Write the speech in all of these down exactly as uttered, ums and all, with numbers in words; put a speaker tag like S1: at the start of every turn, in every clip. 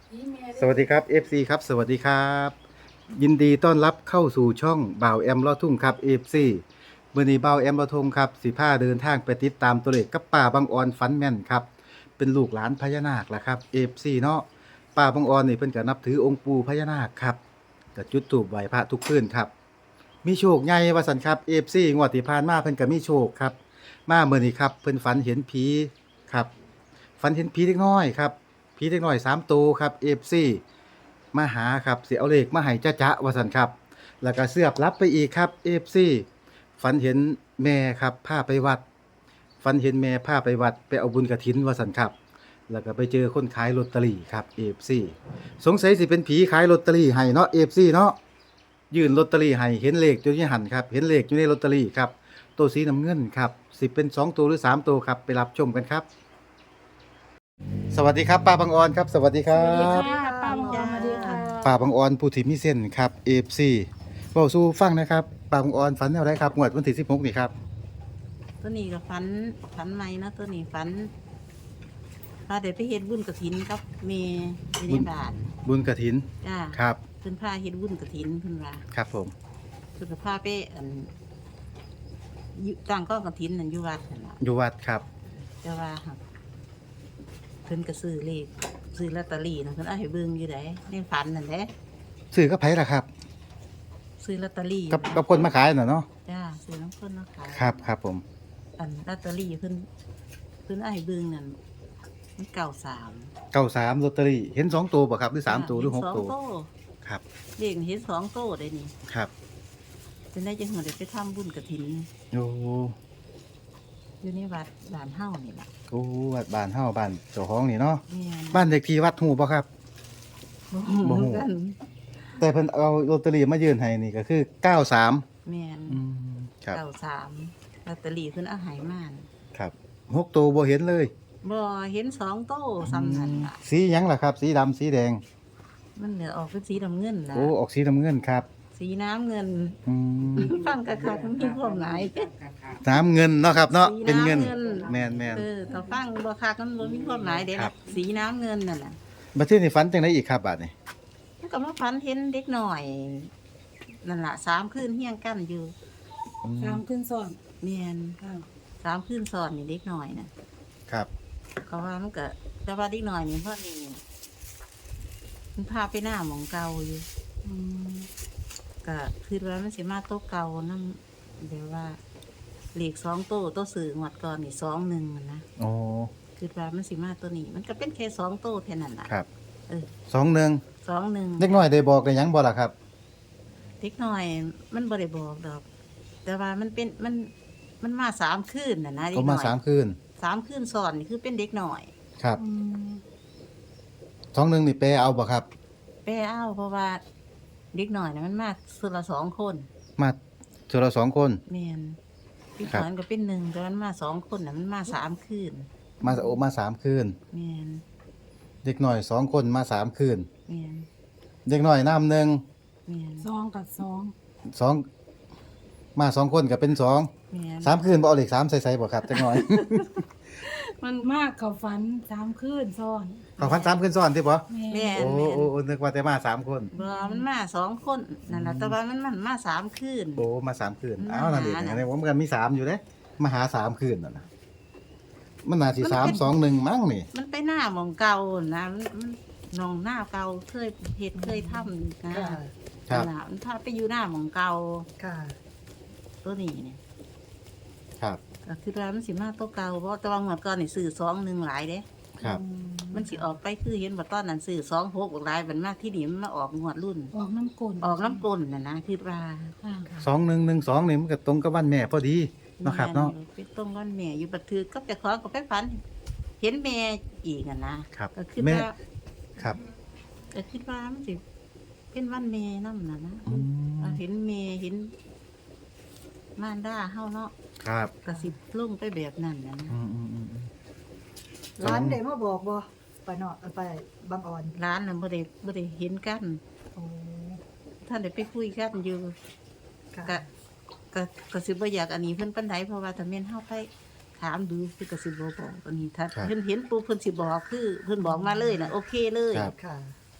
S1: สวัสดีครับ เอฟ ซี ครับสวัสดีครับยินดีต้อนรับเข้าสู่ช่องบ่าวแอมลอดทุ่งครับ เอฟ ซี เมื่อนี้บ่าวแอมลอดทุ่งครับสิพาเดินทางไปติดตามตัวเลขกับป้าบางออนฝันแม่นครับเป็นลูกหลานพญานาคแหละครับ เอฟ ซี เนาะป้าบางออนนี่เพิ่นก็นับถือองค์ปู่พญานาคครับก็จุดธูปไหว้พระทุกคืนครับมีโชคใหญ่ว่าซั่นครับ เอฟ ซี งวดที่ผ่านมาเพิ่นก็มีโชคครับมาเมื่อนี้ครับเพิ่นฝันเห็นผีครับฝันเห็นผีเล็กน้อยครับผีเล็กน้อยสามตัวครับ เอฟ ซี มาหาครับสิเอาเลขมาให้จ้าจ๊ะว่าซั่นครับแล้วก็เสือบรับไปอีกครับ เอฟ ซี ฝันเห็นแม่ครับพาไปวัดฝันเห็นแม่พาไปวัดไปเอาบุญกฐินว่าซั่นครับแล้วก็ไปเจอคนขายลอตเตอรี่ครับ เอฟ ซี สงสัยสิเป็นผีขายลอตเตอรี่ให้เนาะ เอฟ ซี เนาะยื่นลอตเตอรี่ให้เห็นเลขอยู่ในหันครับเห็นเลขอยู่ในลอตเตอรี่ครับตัวสีน้ำเงินครับสิเป็นสองตัวหรือสามตัวครับไปรับชมกันครับสวัสดีครับป้าบางออนครับสวัสดีครั
S2: สวัสดี
S1: บ
S2: ค่ะป้าบางออนสวัสดีค่ะ
S1: ป่าบางออนผู้ที่มีเส้นครับ เอฟ ซี เว้าสู่ฟังนะครับป่าบางออนฝันแนวใดครับงวดวันที่สิบหกนี่ครับ
S2: ตัวนี้ก็ฝันฝันใหม่นะตัวนี้ฝันพาเด็กไปเฮ็ดบุญกฐินกับเมย์อยู่ในบ้าน
S1: บุญกฐิน
S2: จ้า
S1: ครับ
S2: เพิ่นพาเฮ็ดบุญกฐินเพิ่นว่า
S1: ครับผม
S2: เพิ่นก็พาไปอันอยู่ตั้งกองกฐินนั่นอยู่วัดนั่นล่ะ
S1: อยู่วัดครับ
S2: แต่ว่าหั่นเพิ่นก็ซื้อเลขซื้อลอตเตอรี่นะเพิ่นเอาให้เบิ่งอยู่ไดในฝันนั่นแหละ
S1: ซื้อกับไผล่ะครับ
S2: ซื้อลอตเตอรี่
S1: กับกับคนมาขายน่ะเนาะ
S2: จ้าซื้อน้ำเพิ่นมาขาย
S1: ครับครับผม
S2: อันลอตเตอรี่เพิ่นเพิ่นเอาให้เบิ่งนั่นมันเก้าสาม
S1: เก้าสามลอตเตอรี่เห็นสองตัวบ่ครับหรือสามตัวหรือหก
S2: เนส
S1: ตัว
S2: งโต
S1: ครับ
S2: เด็กเห็นสองโตได้นี่
S1: ครับ
S2: เป็นได้จังหัวได้ไปทำบุญกระถิน
S1: โอ้
S2: อยู่ในวัดด่านเฮ้านี่แหละ
S1: โอ้วัดบ้านเฮาบ้านเจ้าของนี่เนาะ
S2: แม่น
S1: บ้านเลขที่วัดฮู้บ่ครับ
S2: บ่
S1: บ่
S2: ฮู้
S1: ฮู้
S2: กัน
S1: แต่เพิ่นเอาลอตเตอรี่มายื่นให้นี่ก็คือเก้าสาม
S2: แม่น
S1: อืมครับ
S2: เก้าสามลอตเตอรี่เพิ่นเอาใหายมาน
S1: ครับหกตัวบ่เห็นเลย
S2: บ่เห็นสองโตซ้ำนั่นล่ะ
S1: สีหยังล่ะครับ สีดำสีแดง
S2: มันเหลือออกเป็นสีน้ำเงินล่ะ
S1: โอ้ออกสีน้ำเงินครับ
S2: สีน้ำเงิน
S1: อืม
S2: ฟังกะคักมันมีความหมาย
S1: น้ำเงินเนาะครับเนาะ
S2: สี
S1: เป็นเงิน
S2: น้ำเงิน
S1: แมนแมน
S2: เออถ้าฟังบ่คักมันบ่มีความหมายเด้
S1: ครั
S2: ล่ะ
S1: บ
S2: สีน้ำเงินนั่นน่ะ
S1: บัดนี้นี่ฝันจังไดอีกครับบาดนี้
S2: มันก็มาพันเห็นเด็กหน่อยนั่นล่ะสามคืนเฮี้ยงกันอยู่
S1: อืม
S3: สามขึ้นซ้อน
S2: เมียน
S3: ค่ะ
S2: สามคืนซ้อนนี่เด็กหน่อยน่ะ
S1: ครับ
S2: เขาว่ามันก็แต่ว่าเด็กหน่อยนี่เพราะนี่มันพาไปหน้าหมองเก่าอยู่
S3: อืม
S2: ก็คือว่ามันสิมาโต๊ะเก่านั่นเดี๋ยวว่าเหล็กสองโต๊ะโต๊ะสื่อหมดก่อนนี่สองหนึ่งนะ
S1: โอ้
S2: คือว่ามันสิมาตัวนี้ มันก็เป็นแค่สองโต๊ะแค่นั้นล่ะ
S1: ครับ
S2: เออ
S1: สองหนึ่ง
S2: สองหนึ่ง
S1: เล็กน้อยได้บอกได้หยังบ่ล่ะครับ
S2: เด็กหน่อย มันบ่ได้บอกดอก แต่ว่ามันเป็นมันมันมาสามคืนน่ะนะเด็
S1: ก็
S2: กห
S1: มา
S2: น่อย
S1: สามคืน
S2: สามคืนซ้อนนี่คือเป็นเด็กหน่อย
S1: ครับ
S3: อืม
S1: สองหนึ่งนี่แปลเอาบ่ครับ
S2: แป้อ้าวเพราะว่าเด็กหน่อยนะมันมาสุดละสองคน
S1: มาเจอเราสองคน
S2: เมียนพี่
S1: ครับ
S2: ขวัญก็เป็นหนึ่งแต่มันมาสองคนนะมันมาสามคืน
S1: มาโอมาสามคืน
S2: เมียน
S1: เด็กน้อยสองคนมาสามคืน
S2: เมียน
S1: เด็กน้อยน้ำหนึ่ง
S2: เมียน
S3: สองกับสอง
S1: สองมาสองคนก็เป็นสอง
S2: เมียน
S1: สามคืนบ่เอาเลขสามใส่ๆบ่ครับจักหน่อย
S3: มันมากเขาฝันสามขึ้นซ้อน
S1: ขอพันสามคืนซ้อนที่บ่
S3: แม่
S2: เมียน
S1: โอ้
S2: เมียน
S1: โอ้โอ้นึกว่าแต่มาสามคน
S2: บ่มันมาสองคนนั่นแหละแต่ว่ามันมันมาสามคืน
S1: โอ้มาสามคืน
S2: มา
S1: อ้าวนั่นเอง
S2: หาน่ะ
S1: อันนี้ผมกันมีสามอยู่เด้มาหาสามคืนน่ะนะมันน่าสิ
S2: มัน
S1: สาม
S2: เป็น
S1: สองหนึ่งมั้งนี่
S2: มันไปหน้าหมองเก่านะมันมันหนองหน้าเก่าเคยเห็ดเคยทำนะ
S3: ค่ะ
S1: ครับ
S2: นั่นล่ะมันพาไปอยู่หน้าหมองเก่า
S3: ค่ะ
S2: ตัวนี้เนี่ย
S1: ครับ
S2: ก็คือว่ามันสิมาตัวเก่าเพราะแต่ว่าหมดก่อนนี่ซื้อสองหนึ่งหลายเด้
S1: ครับ
S3: อื
S2: มันสิออกไปคือเห็นว่าตอนนั้นซื้อสองหกหลายมันมากที่นี่มันมาออกงวดรุ่น
S3: ออกน้ำกลน
S2: ออกน้ำกลนน่ะนะคือว่า
S3: ค่ะ
S1: สองหนึ่งหนึ่งสองนี่มันก็ตรงกับวันแม่พอดีเนาะครับเนาะ
S2: แม่ไปต้มร้อนแม่อยู่บัดถือก็จะขอกับไปฝัน เห็นแม่อีกอ่ะนะครับ ก็คือ
S1: แม่
S2: ว่า
S1: ครับ
S2: ก็คิดว่ามันสิเป็นวันแม่นั่นน่ะนะ
S1: อืม
S2: เอาเห็นแม่เห็นมารดาเฮาเนาะ
S1: ครับ
S2: ก็สิลงไปแบบนั้นนะนะ
S1: อืมอืมอืมอืม
S4: ร้านเดมาบอกบ่ไปเนาะไปบางอ่อน
S2: ร้านน่ะบ่ได้บ่ได้เห็นกัน
S4: โอ้
S2: ท่านได้ไปคุยกันอยู่
S4: ค่ะ
S2: ก็ก็ก็สิบ่อยากอันนี้เพิ่นปานใดเพราะว่าถ้าแม่นเฮาไปถามดูคือก็สิบ่บอกอันนี้ถ้าเพิ่นเห็นปุ๊บเพิ่นสิบอกคือเพิ่นบอกมาเลยน่ะโอเคเลย
S1: ครับ
S4: ค่ะ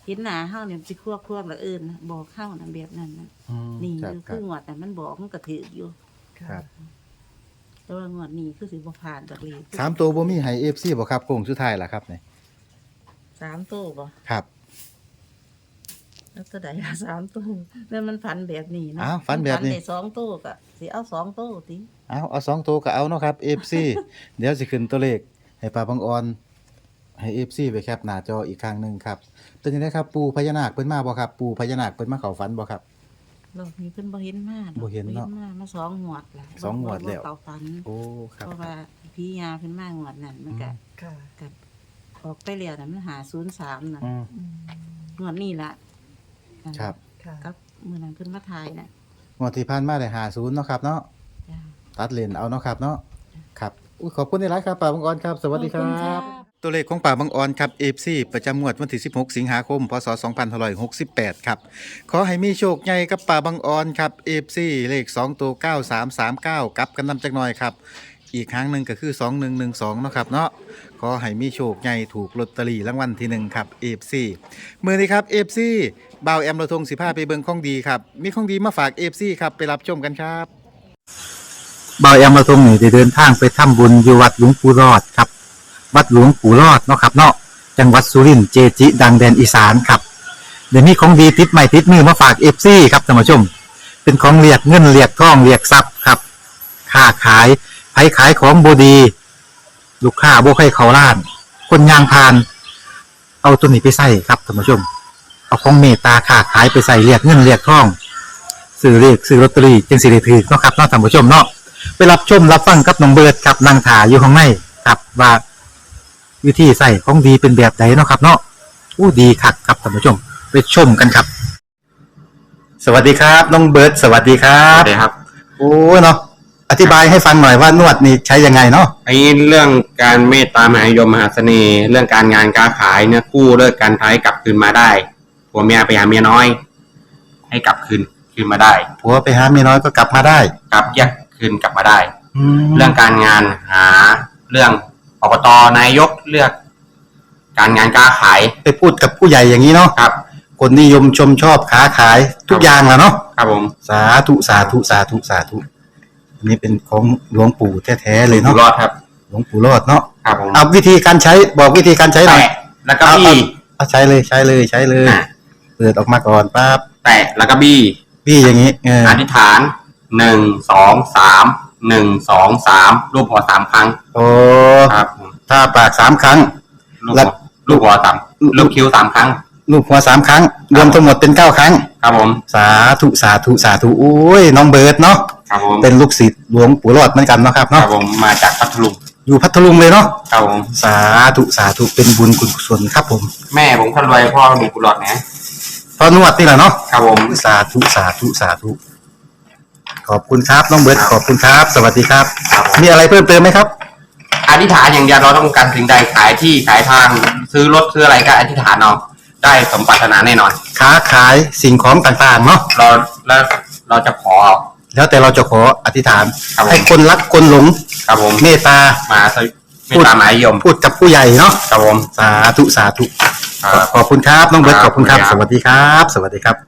S2: เห็นหน้าเฮาเนี่ยสิควบควบละเอิ้นบอกเฮานั่นแบบนั้นน่ะ
S1: อืม
S2: นี่
S1: ครับ
S2: คือ
S1: ครั
S2: คื
S1: บ
S2: องวดแต่ะมันบอกมันก็ถืออยู่
S1: ครับ
S2: แต่ว่างวดนี้คือสิบ่ผ่านดอกเลย
S1: สามตัวบ่มีให้ เอฟ ซี บ่ครับโค้งสุดท้ายล่ะครับนี่
S2: สามตู้บ่
S1: ครับ
S2: แล้วตัวใดล่ะสามตู้แล้วมันฝันแบบนี้เนาะ
S1: อ้าวฝันแบบนี้
S2: มัได้สองตู้ก็สิเอาสองตู้ติ
S1: เอาเอาสองตัวก็เอาเนาะครับ เอฟ ซี เดี๋ยวสิขึ้นตัวเลขให้ป้าบางออนให้ เอฟ ซี ไปแคปหน้าจออีกครั้งหนึงครับเป็นจังไดครับปู่พญานาคเพิ่นมาบ่ครับปู่พญานาคเพิ่นมาเข้าฝันบ่ครับ
S2: รอบนี้เพิ่นบ่เห็นมาดอก
S1: บ่เห็นเนาะ
S2: มามาสองงวดแล้ว
S1: สองงวดแล้ว
S2: บ่เข้าฝัน
S1: โอ้ครับ
S2: เพราะว่าพี่ยาเพิ่นมางวดนั้นมันก็
S4: ค่ะ
S2: กับออกไปแล้วน่ะมันหาศูนย์สามน่ะ
S1: อืม
S4: อืม
S2: งวดนี้ล่ะ
S1: ครับ
S4: ค่ะ
S2: กับมื้อนั้นเพิ่นมาถ่ายน่ะ
S1: งวดที่ผ่านมาได้ห้าสิบเนาะครับเนาะ
S2: จ้า
S1: ตัดเลนเอาเนาะครับเนาะครับอุ้ยขอบคุณหลายๆครับป้าบางออนครับ สวัสดีค
S3: ขอบคุณ
S1: รั
S3: ค่ะ
S1: บ ตัวเลขของป่าบางออนครับ เอฟ ซี ประจำงวดวันที่สิบหกสิงหาคมพศสองพันห้าร้อยหกสิบแปดครับขอให้มีโชคใหญ่กับป่าบางออนครับ เอฟ ซี เลขสองตัวเก้าสามสามเก้ากลับกันนำจักหน่อยครับอีกครั้งหนึ่งก็คือสองหนึ่งหนึ่งสองเนาะครับเนาะขอให้มีโชคใหญ่ถูกลอตเตอรี่รางวัลที่หนึ่งครับ เอฟ ซี มื้อนี้ครับ เอฟ ซี บ่าวแอมระทงสิพาไปเบิ่งของดีครับมีของดีมาฝาก เอฟ ซี ครับไปรับชมกันครับบ่าวแอมระทงนี่ได้เดินทางไปทำบุญอยู่วัดหลวงปู่รอดครับ วัดหลวงปู่รอดเนาะครับเนาะจังหวัดสุรินทร์เจจิ ดังแดนอีสานครับเดี๋ยวนี้ของดีติดใหม่ติดมือมาฝาก เอฟ ซี ครับท่านผู้ชม เป็นของเรียกเงินเรียกทองเรียกทรัพย์ครับค้าขายไผขายของบดี ลูกค้าบ่ให้เขาล้าน คนยางพาน เอาตัวนี้ไปใส่ครับท่านผู้ชม เอาของเมตตาค้าขายไปใส่เรียกเงินเรียกทองซื้อเรียกซื้อลอตเตอรี่จึงสิได้ถือเนาะครับเนาะท่านผู้ชมเนาะไปรับชมรับฟังกับน้องเบิร์ดครับนางถาอยู่ข้างในครับว่าวิธีใส่ของดีเป็นแบบไหนเนาะครับเนาะอู้ดีคักครับท่านผู้ชมไปชมกันครับ สวัสดีครับน้องเบิร์ดสวัสดีครั
S5: ครับ บครับ
S1: โอ้เนาะอธิบายให้ฟังหน่อยว่านวดนี่ใช้ยังไงเนาะ
S5: ไอ้เรื่องการเมตตามหานิยมมหาเสน่ห์ เรื่องการงานการขายเนี่ยกู้เลิกการท้ายกลับคืนมาได้ผัวเมียไปหาเมียน้อย ให้กลับคืนคืนมาได้
S1: ผัวไปหาเมียน้อยก็กลับมาได้
S5: กลับแยกคืนกลับมาได้
S1: แล้
S5: เรื่
S1: ว
S5: องการงานหาเรื่องอบตนายกเลือก การงานการขาย
S1: ไปพูดกับผู้ใหญ่อย่างนี้เนาะ
S5: ครับ
S1: คนนิยมชมชอบค้าขายทุกอย่างแหล้วเนาะ
S5: ครับผม
S1: สาธุสาธุสาธุสาธุอันนี้เป็นของหลวงปู่แท้ๆเลย
S5: อยู่
S1: เนาะ
S5: รอดครับ
S1: หลวงปู่รอดเนาะ
S5: ครับผม
S1: เอาวิธีการใช้บอกวิธีการใช้หน่อย
S5: แตะแล้วก็บี้
S1: เอาใช้เลยใช้เลยใช้เลย
S5: อ่ะ
S1: เปิดออกมาก่อนปั๊บ
S5: แตะแล้วก็บี้
S1: พี่อย่างนี้เออ
S5: อธิษฐานหนึ่งสองสามหนึ่งสองสามรูปหัวสามครั้ง
S1: โอ้
S5: ครับผม
S1: ถ้าปากสามครั้ง
S5: ลูก
S1: แล้
S5: หั
S1: ว
S5: วลูกหัวสามลูกคิ้วสามครั้ง
S1: ลูกหัวสามครั้ง รวมทั้งหมดเป็นเก้าครั้ง
S5: ครับผม
S1: สาธุสาธุสาธุโอ้ยน้องเบิร์ดเนาะ
S5: ครับผม
S1: เป็นลูกศิษย์หลวงปู่รอดเหมือนกันเนาะครับ
S5: ครั
S1: เนาะ
S5: บผมมาจากพัทลุง
S1: อยู่พัทลุงเลยเนาะ
S5: ครับผม
S1: สาธุสาธุเป็นบุญคุณกุศลครับผม
S5: แม่ผมคนรวยพ่อมีกุหลาบนะ
S1: พอนวดนี่แหละเนาะ
S5: ครับผม
S1: สาธุสาธุสาธุขอบคุณครับน้องเบิร์ดขอบคุณครับ สวัสดีครับ
S5: ครับผม
S1: มีอะไรเพิ่มเติมไหมครับ
S5: อธิษฐานอย่างเดียวเราต้องการสิ่งใดขายที่ขายทาง ซื้อรถซื้ออะไรก็อธิษฐานเอาได้สมปรารถนาแน่นอน
S1: ค้าขายสิ่งของต่างๆเนาะ
S5: เราแล้วเราจะขอ
S1: แล้วแต่เราจะขออธิษฐาน
S5: ครับผม
S1: ให้คนรักคนหลง
S5: ครับผม
S1: เมตตา
S5: มาสวิไม่ตามหมายยม
S1: พูดกับผู้ใหญ่เนาะ
S5: ครับผม
S1: สาธุสาธุ
S5: ครับ
S1: ขอบคุณครับน้องเบิร์ต
S5: ค
S1: ข
S5: รับ
S1: อบคุณครับ
S5: ขอบ
S1: ส
S5: คุณครับ
S1: วัสดีครับ สวัสดีครับ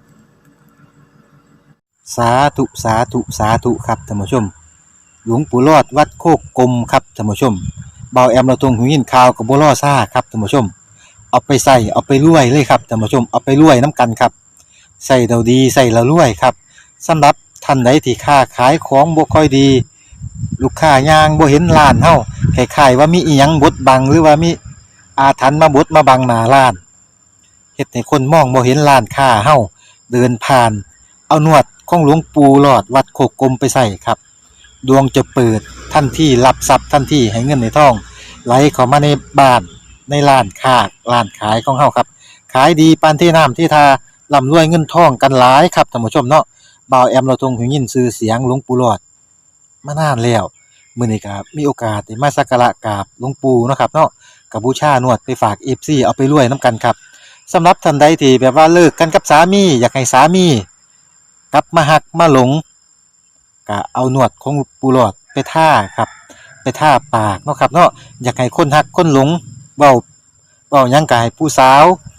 S1: สาธุสาธุสาธุครับท่านผู้ชม หลวงปู่รอดวัดโคกกลมครับท่านผู้ชมเบาแอมเราตรงหูยินข่าวกับบัวล่อซ่าครับท่านผู้ชม เอาไปใส่เอาไปรวยเลยครับท่านผู้ชมเอาไปรวยน้ำกันครับใส่เราดีใส่เรารวยครับสำหรับท่านใดที่ค้าขายของบ่ค่อยดี ลูกค้ายางบ่เห็นร้านเฮาคล้ายๆว่ามีอีหยังบดบังหรือว่ามีอาถรรพ์มาบดมาบังหน้าร้านเฮ็ดให้คนมองบ่เห็นร้านค้าเฮาเดินผ่าน เอานวดของหลวงปู่หลอดวัดโคกกลมไปใส่ครับดวงจะเปิดทันทีรับทรัพย์ทันทีให้เงินในท้องไหลเข้ามาในบ้านในร้านค้าร้านขายของเฮาครับขายดีปานที่น้ำที่ทาร่ำรวยเงินทองกันหลายครับท่านผู้ชมเนาะบ่าวแอมเราทรงหูยินชื่อเสียงหลวงปู่หลอดมานานแล้วมื้อนี้ก็มีโอกาสได้มาสักการะกราบหลวงปู่เนาะครับเนาะก็บูชานวดไปฝาก เอฟ ซี เอาไปรวยนํกันครับสำหรับท่านใดที่แบบว่าเลิกกันกับสามีอยากให้สามีกลับมาหักมาหลงก็เอานวดของปูหลอดไปท่าครับไปท่าปากเนาะครับเนาะอยากให้คนหักคนหลงเว้าเว้าหยังก็ให้ผู้สาว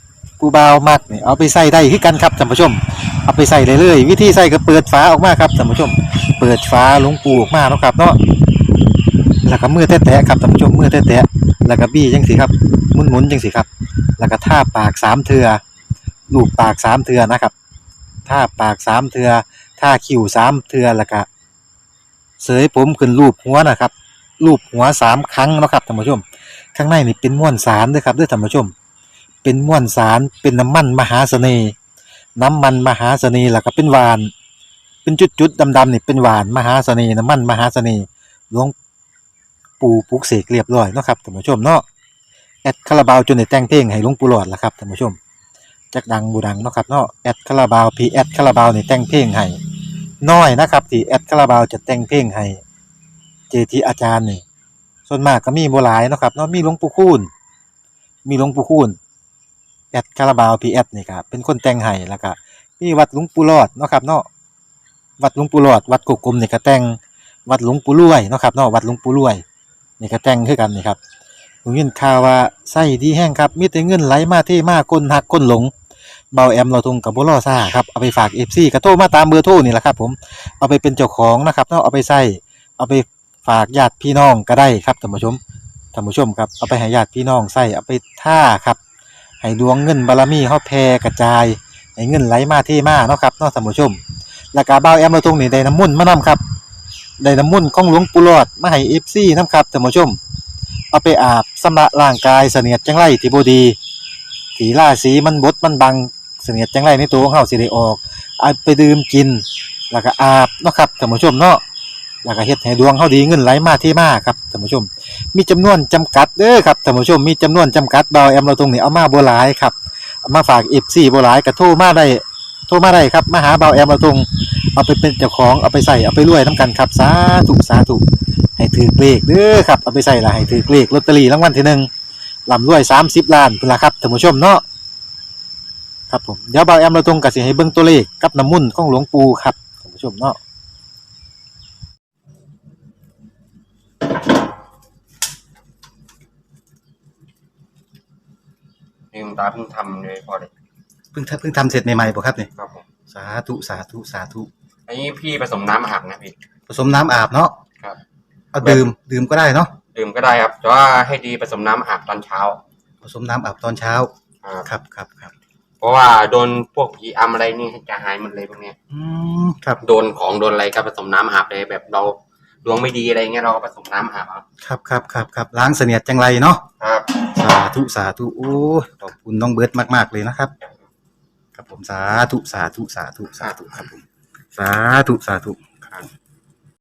S1: ผู้บ่าวมักนี่เอาไปใส่ได้คือกันครับท่านผู้ชมเอาไปใส่เลยเลยวิธีใส่ก็เปิดฝาออกมาครับท่านผู้ชมเปิดฝาหลวงปูออกมาเนาะครับเนาะแล้วก็มือแตะๆครับท่านผู้ชมมือแตะๆแล้วก็บี้จังสิครับหมุนๆจังสิครับแล้วก็ทาปากสามเทื่อลูบปากสามเทื่อนะครับทาปากสามเทื่อทาคิ้วสามเทื่อแล้วก็เสยผมขึ้นรูปหัวนะครับรูปหัวสามครั้งเนาะครับท่านผู้ชมข้างในนี่เป็นม้วนสารเด้อครับเด้อท่านผู้ชมเป็นม้วนสารเป็นน้ำมันมหาเสน่ห์น้ำมันมหาเสน่ห์แล้วก็เป็นหวานเป็นจุดๆดำๆนี่เป็นหวานมหาเสน่ห์น้ำมันมหาเสน่ห์หลวงปู่ปลุกเสกเรียบร้อยเนาะครับท่านผู้ชมเนาะแอดคาราบาวจนได้แต่งเพลงให้หลวงปู่หลอดล่ะครับท่านผู้ชมจักดังบูดังเนาะครับเนาะแอดคาราบาวพีแอดคาราบาวนี่แต่งเพลงให้น้อยนะครับที่แอดคาราบาวจะแต่งเพลงให้เจทีอาจารย์นี่ส่วนมากก็มีบ่หลายเนาะครับเนาะมีหลวงปู่คูณมีหลวงปู่คูณแอดคาราบาวพีแอดนี่ครับเป็นคนแต่งให้แล้วก็มีวัดหลวงปู่หลอดเนาะครับเนาะวัดหลวงปู่หลอดวัดกุกกลมนี่ก็แต่งวัดหลวงปู่รวยเนาะครับเนาะวัดหลวงปู่รวยนี่ก็แต่งคือกันนี่ครับผมยินข่าวว่าไส้ดีแห้งครับมีแต่เงินไหลมาเทมาก้นหักก้นหลงเบาแอมเราทงกับบ่รอซ่าครับเอาไปฝาก เอฟ ซี ก็โทรมาตามเบอร์โทรนี่แหละครับผมเอาไปเป็นเจ้าของนะครับเนาะเอาไปใส่เอาไปฝากญาติพี่น้องก็ได้ครับท่านผู้ชมท่านผู้ชมครับเอาไปให้ญาติพี่น้องใส่เอาไปท่าครับให้ดวงเงินบารมีเฮาแผ่กระจายให้เงินไหลมาเทมาเนาะครับเนาะท่านผู้ชมแล้วก็เบาแอมเราทงนี่ได้น้ำมนต์มานํครับได้น้ำมนต์ของหลวงปู่หลอดมาให้ เอฟ ซี นํครับท่านผู้ชมเอาไปอาบชำระร่างกายเสนียดจังไรที่บ่ดีที่ราศีมันบดมันบังเสนียดจังไรในตัวของเฮาสิได้ออกเอาไปดื่มกินแล้วก็อาบเนาะครับท่านผู้ชมเนาะแล้วก็เฮ็ดให้ดวงเฮาดีเงินไหลมาเทมาครับท่านผู้ชมมีจำนวนจำกัดเด้อครับท่านผู้ชมมีจำนวนจำกัดเบาแอมเราตรงนี้เอามาบ่หลายครับเอามาฝาก เอฟ ซี บ่หลายก็โทรมาได้โทรมาได้ครับมาหาเบาแอมเราตรงเอาไปเป็นเจ้าของเอาไปใส่เอาไปรวยนํกันครับสาธุสาธุให้ถือเลขเด้อครับเอาไปใส่ละให้ถือเลขลอตเตอรี่รางวัลที่หนึ่งร่ำรวยสามสิบล้านพุ่นล่ะครับท่านผู้ชมเนาะครับผมเดี๋ยวเบาแอมเราตรงก็สิให้เบิ่งตัวเลขกับน้ำมนต์ของหลวงปู่ครับท่านผู้ชมเนาะ
S5: นี่คุณตาเพิ่งทำเลยพอเลย
S1: เพิ่งทำเพิ่งทำเสร็จใหม่ๆบ่ครับนี่
S5: ครับผม
S1: สาธุสาธุสาธุ
S5: อันนี้พี่ผสมน้ำอาบนะพี่
S1: ผสมน้ำอาบเนาะ
S5: ครับ
S1: เอาดื่มดื่มก็ได้เนาะ
S5: ดื่มก็ได้ครับแต่ว่าให้ดีผสมน้ำอาบตอนเช้า
S1: ผสมน้ำอาบตอนเช้า
S5: ครับ
S1: ครับครับครับ
S5: เพราะว่าโดนพวกผีอำอะไรนี่จะหายหมดเลยพวกเนี้ย
S1: อืมครับ
S5: โดนของโดนอะไรก็ผสมน้ำอาบเลยแบบเราดวงไม่ดีอะไรเงี้ยเราก็ผสมน้ำอาบเอา
S1: ครับครับครับครับล้างเสนียดจังไรเนาะ
S5: ครับ
S1: สาธุสาธุโอ้ยขอบคุณน้องเบิร์ตมากๆเลยนะครับครับผมสาธุสาธุสาธุสาธุครับผมสาธุสาธุ
S5: ครับ